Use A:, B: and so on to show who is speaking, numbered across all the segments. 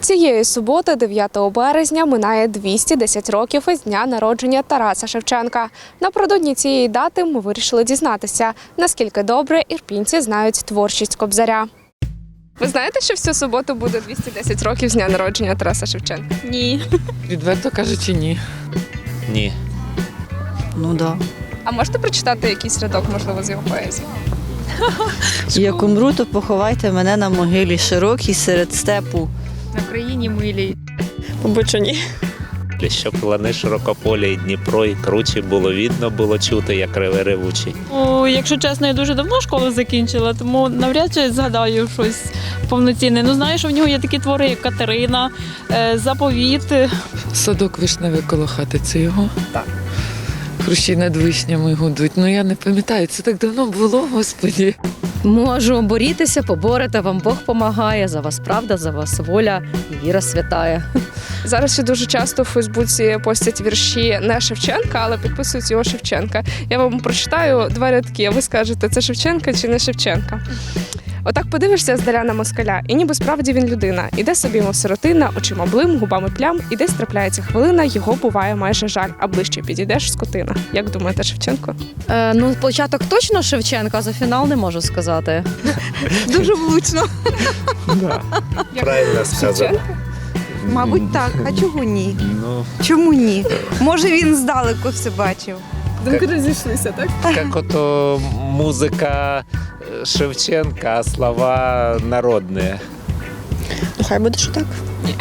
A: Цієї суботи, 9 березня, минає 210 років із дня народження Тараса Шевченка. Напередодні цієї дати ми вирішили дізнатися, наскільки добре ірпінці знають творчість Кобзаря. Ви знаєте, що в цю суботу буде 210 років з дня народження Тараса Шевченка?
B: Ні.
C: Відверто кажучи, ні.
D: Ні.
E: Ну да.
A: А можете прочитати якийсь рядок, можливо, з його поезії?
E: Як умру, то поховайте мене на могилі широкій серед степу.
B: На країні милій.
C: Мабуть, що ні.
D: Щоб лани широкополі і Дніпро, і кручі було видно, було чути, як реве ревучий.
B: Якщо чесно, я дуже давно школу закінчила, тому навряд чи згадаю щось повноцінне. Ну, знаю, що в нього є такі твори, як Катерина, Заповіт.
C: Садок вишневий коло хати, це його?
A: Так.
C: Хрущі над вишнями гудуть. Ну я не пам'ятаю, це так давно було, Господі.
F: Можу борітися, поборете, вам Бог помагає, за вас правда, за вас воля і віра святая.
A: Зараз ще дуже часто в Фейсбуці постять вірші не Шевченка, але підписують його Шевченка. Я вам прочитаю два рядки, а ви скажете, це Шевченка чи не Шевченка. Отак подивишся здаля на москаля, і ніби справді він людина. Іде собі, мов сиротина, очима блим, губами плям, і десь трапляється хвилина, його буває майже жаль, а ближче підійдеш скотина. Як думаєте, Шевченко?
F: Ну, початок точно Шевченка, а за фінал не можу сказати.
G: Дуже влучно.
D: Правильно сказав.
G: Мабуть, так. А чого ні?
D: Ну,
G: Чому ні? Може, він здалеку все бачив.
A: Думки розійшлися, так?
D: як ото музика Шевченка, а слова народні.
C: Хай буде, що так.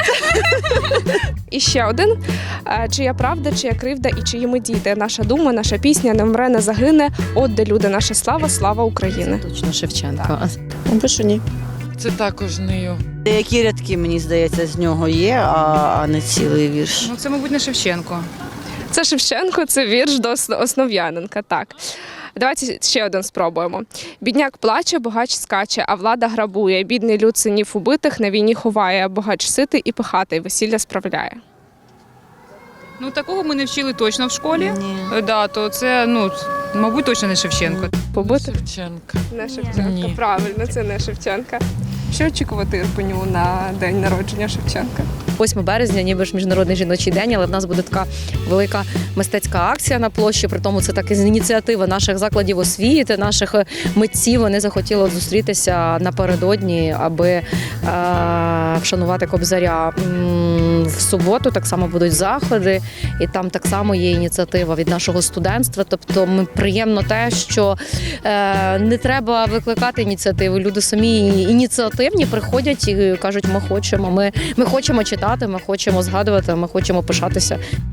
A: І ще один. Чия правда, чия кривда і чиї ми діти. Наша дума, наша пісня не вмре, не загине. От де люди, наша слава, слава України.
F: Точно Шевченка.
C: Мабуть, що ні. Це також не його.
E: Деякі рядки, мені здається, з нього є, а не цілий вірш.
B: Ну, це, мабуть, не Шевченко.
A: Це Шевченко, це вірш до Основ'яненка, так. Давайте ще один спробуємо. Бідняк плаче, богач скаче, а влада грабує. Бідний люд синів убитих на війні ховає. Богач ситий і пихатий, весілля справляє.
B: Ну, такого ми не вчили точно в школі.
E: Ні.
B: Да, то це, мабуть, точно не Шевченко.
A: Побитих?
C: Шевченка.
A: Не Шевченка,
C: Ні.
A: правильно, це не Шевченка. Що очікувати Ірпеню на день народження Шевченка?
F: 8 березня, ніби ж Міжнародний жіночий день, але в нас буде така велика мистецька акція на площі. При тому це так із ініціативи наших закладів освіти, наших митців. Вони захотіли зустрітися напередодні, аби вшанувати Кобзаря. В суботу так само будуть заходи, і там так само є ініціатива від нашого студентства. Тобто приємно те, що не треба викликати ініціативи. Люди самі ініціативні приходять і кажуть, ми хочемо читати, ми хочемо згадувати, ми хочемо пишатися.